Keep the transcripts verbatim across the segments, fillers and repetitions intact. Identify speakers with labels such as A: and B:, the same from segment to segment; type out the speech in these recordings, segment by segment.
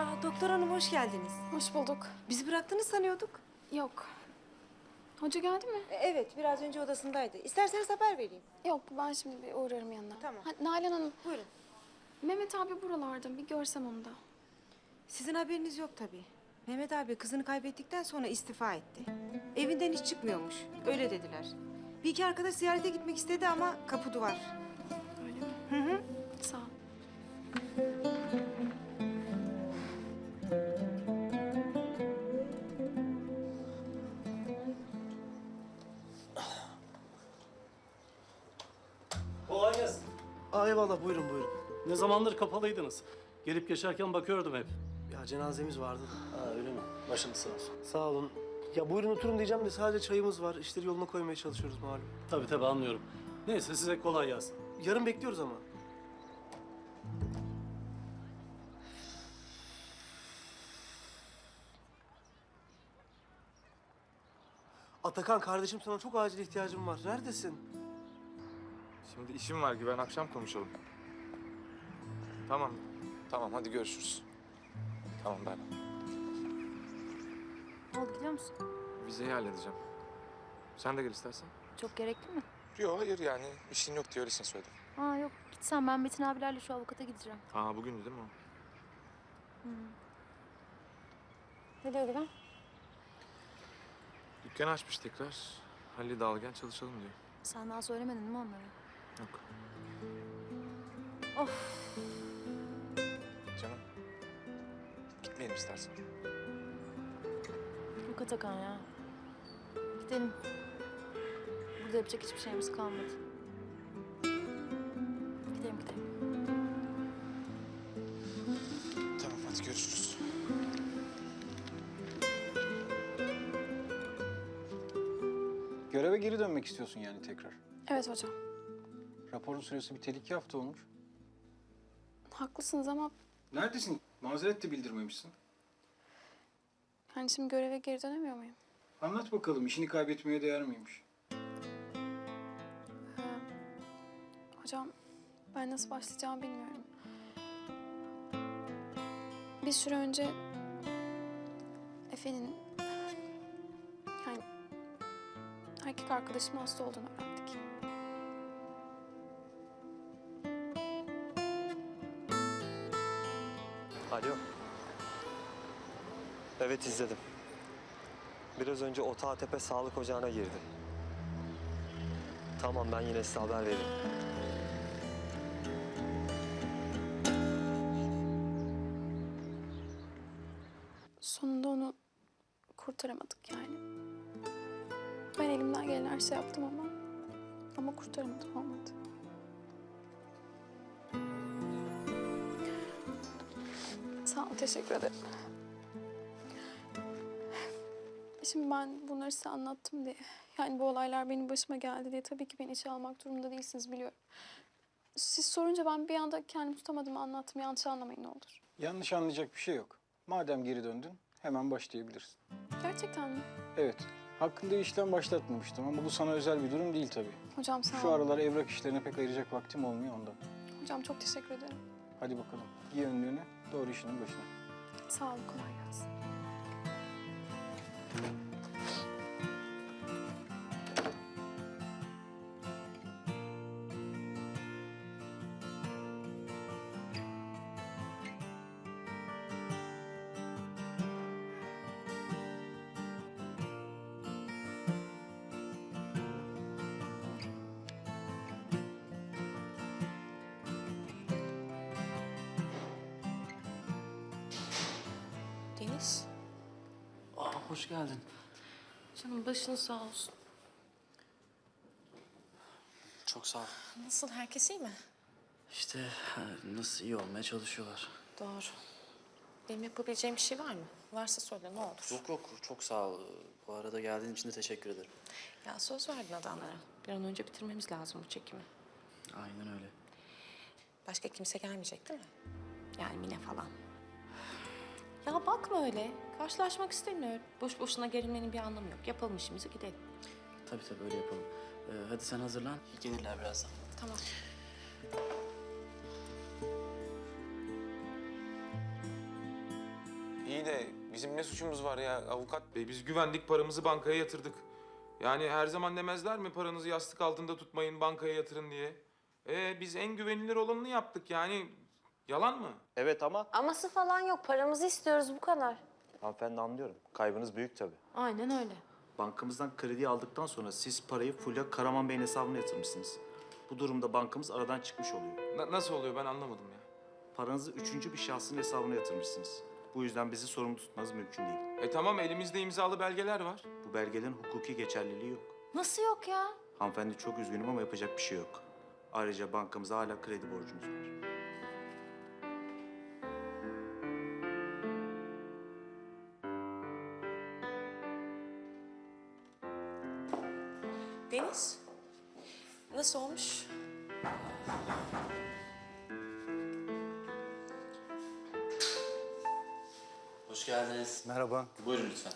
A: Aa, doktor hanım hoş geldiniz.
B: Hoş bulduk.
A: Bizi bıraktınız sanıyorduk.
B: Yok. Hoca geldi mi?
A: E, evet, biraz önce odasındaydı. İsterseniz haber vereyim.
B: Yok, ben şimdi bir uğrarım yanına.
A: Tamam.
B: Ha, Nalan Hanım,
A: Buyurun.
B: Mehmet abi buralarda. Bir görsem onu da.
A: Sizin haberiniz yok tabii. Mehmet abi kızını kaybettikten sonra istifa etti. Evinden hiç çıkmıyormuş. Öyle dediler. Bir iki arkadaş ziyarete gitmek istedi ama kapı duvar.
B: Öyle mi?
A: Hı hı.
B: Sağ ol.
C: Kolay gelsin.
D: Aa, eyvallah, buyurun buyurun.
C: Ne zamandır kapalıydınız? Gelip geçerken bakıyordum hep.
D: Ya cenazemiz vardı da.
C: Ha öyle mi? Başınız sağ olsun.
D: Sağ olun. Ya buyurun oturun diyeceğim de sadece çayımız var. İşleri yoluna koymaya çalışıyoruz malum.
C: Tabii tabii anlıyorum. Neyse size kolay gelsin.
D: Yarın bekliyoruz ama. Atakan kardeşim, sana çok acil ihtiyacım var. Neredesin?
E: Şimdi işim var, Güven, akşam konuşalım. Tamam, tamam hadi görüşürüz. Tamam ben.
F: Ne oldu biliyor musun?
E: Vizeyi halledeceğim. Sen de gel istersen.
F: Çok gerekli mi?
E: Yok hayır yani işin yok diye öylesine söyledim.
F: Aa yok gitsen ben Metin abilerle şu avukata gideceğim.
E: Aa bugündü değil mi o?
F: Ne diyor Güven?
E: Dükkanı açmış tekrar. Halil de al gel çalışalım diyor.
F: Sen daha söylemedin değil mi onlara?
E: Yok.
F: Of.
E: Canım. Gitmeyelim istersen.
F: Yok Atakan ya. Gidelim. Burada yapacak hiçbir şeyimiz kalmadı. Gidelim gidelim.
E: Tamam hadi görüşürüz.
G: Göreve geri dönmek istiyorsun yani tekrar.
B: Evet hocam.
G: Raporun süresi biteli iki hafta olmuş.
B: Haklısınız ama
G: Neredesin? Mazeret de bildirmemişsin.
B: hani şimdi göreve geri dönemiyor muyum?
G: Anlat bakalım, işini kaybetmeye değer miymiş?
B: Hocam, ben nasıl başlayacağımı bilmiyorum. Bir süre önce Efe'nin yani erkek arkadaşımın hasta olduğunu öğrendik.
H: Alo. Evet izledim. Biraz önce Otağtepe Sağlık Ocağı'na girdi. Tamam ben yine size haber veririm.
B: Sonunda onu kurtaramadık yani. Ben elimden gelen her şey yaptım ama ama kurtaramadım, olmadı. Sağ ol, teşekkür ederim. Şimdi ben bunları size anlattım diye, yani bu olaylar benim başıma geldi diye tabii ki beni içe almak durumunda değilsiniz, biliyorum. Siz sorunca ben bir anda kendimi tutamadım, anlattım. Yanlış anlamayın ne olur.
G: Yanlış anlayacak bir şey yok. Madem geri döndün, hemen başlayabilirsin.
B: Gerçekten mi?
G: Evet, hakkında işlem başlatmamıştım ama bu sana özel bir durum değil tabii.
B: Hocam sağ
G: Şu
B: olun.
G: aralar evrak işlerine pek ayıracak vaktim olmuyor ondan.
B: Hocam çok teşekkür ederim.
G: Hadi bakalım, giy önlüğünü, doğru işinin başına.
B: Sağ olun, kolay gelsin.
A: Deniz.
I: Aa, hoş geldin.
A: Canım başın sağ olsun.
I: Çok sağ ol.
A: Nasıl, herkes iyi mi?
I: İşte ha, nasıl iyi olmaya çalışıyorlar.
A: Doğru. Benim yapabileceğim bir şey var mı? Varsa söyle ne olur.
I: Yok yok, çok sağ ol. Bu arada geldiğin için de teşekkür ederim.
A: Ya söz verdin adamlara. Bir an önce bitirmemiz lazım bu çekimi.
I: Aynen öyle.
A: Başka kimse gelmeyecek değil mi? Yani Mine falan. Ya bakma öyle. Karşılaşmak istemiyorum. Boş boşuna gerilmenin bir anlamı yok. Yapalım işimizi, gidelim.
I: Tabii tabii öyle yapalım. Ee, hadi sen hazırlan. Gelirler birazdan.
A: Tamam.
E: iyi de bizim ne suçumuz var ya avukat bey? Biz güvendik, paramızı bankaya yatırdık. Yani her zaman demezler mi paranızı yastık altında tutmayın, bankaya yatırın diye? Ee, biz en güvenilir olanını yaptık yani. Yalan mı?
J: Evet ama
K: Aması falan yok. Paramızı istiyoruz bu kadar.
J: hanımefendi anlıyorum. Kaybınız büyük tabii.
K: Aynen öyle.
I: Bankamızdan kredi aldıktan sonra siz parayı fulla Karaman Bey'in hesabına yatırmışsınız. Bu durumda bankamız aradan çıkmış oluyor.
E: Na- nasıl oluyor ben anlamadım ya.
I: Paranızı üçüncü bir şahsın hesabına yatırmışsınız. Bu yüzden bizi sorumlu tutmanız mümkün değil.
E: E tamam elimizde imzalı belgeler var.
I: Bu belgelerin hukuki geçerliliği yok.
K: Nasıl yok ya?
I: Hanımefendi çok üzgünüm ama yapacak bir şey yok. Ayrıca bankamıza hala kredi borcunuz var.
L: Deniz, nasıl olmuş?
I: Hoş geldiniz.
G: Merhaba.
I: Buyurun lütfen.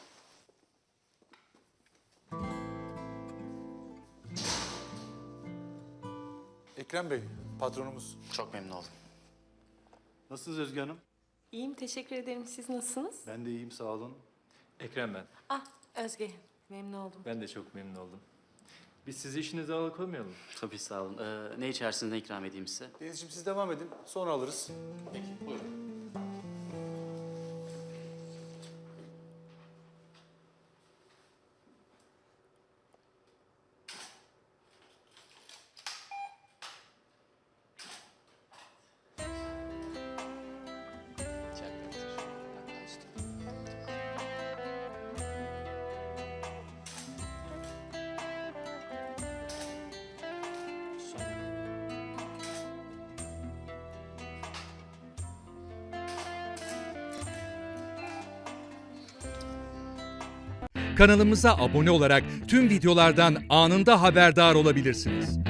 G: Ekrem Bey, patronumuz.
I: Çok memnun oldum.
C: Nasılsınız Özge Hanım?
L: İyiyim, teşekkür ederim. Siz nasılsınız?
C: Ben de iyiyim, sağ olun.
M: Ekrem ben.
L: Ah, Özge. Memnun oldum.
M: Ben de çok memnun oldum. Biz sizi işinize alıkoymayalım.
I: Tabii sağ olun. Ee, ne içersiniz, ne ikram edeyim size?
G: Denizciğim siz devam edin, sonra alırız.
I: Peki, buyurun.
N: Kanalımıza abone olarak tüm videolardan anında haberdar olabilirsiniz.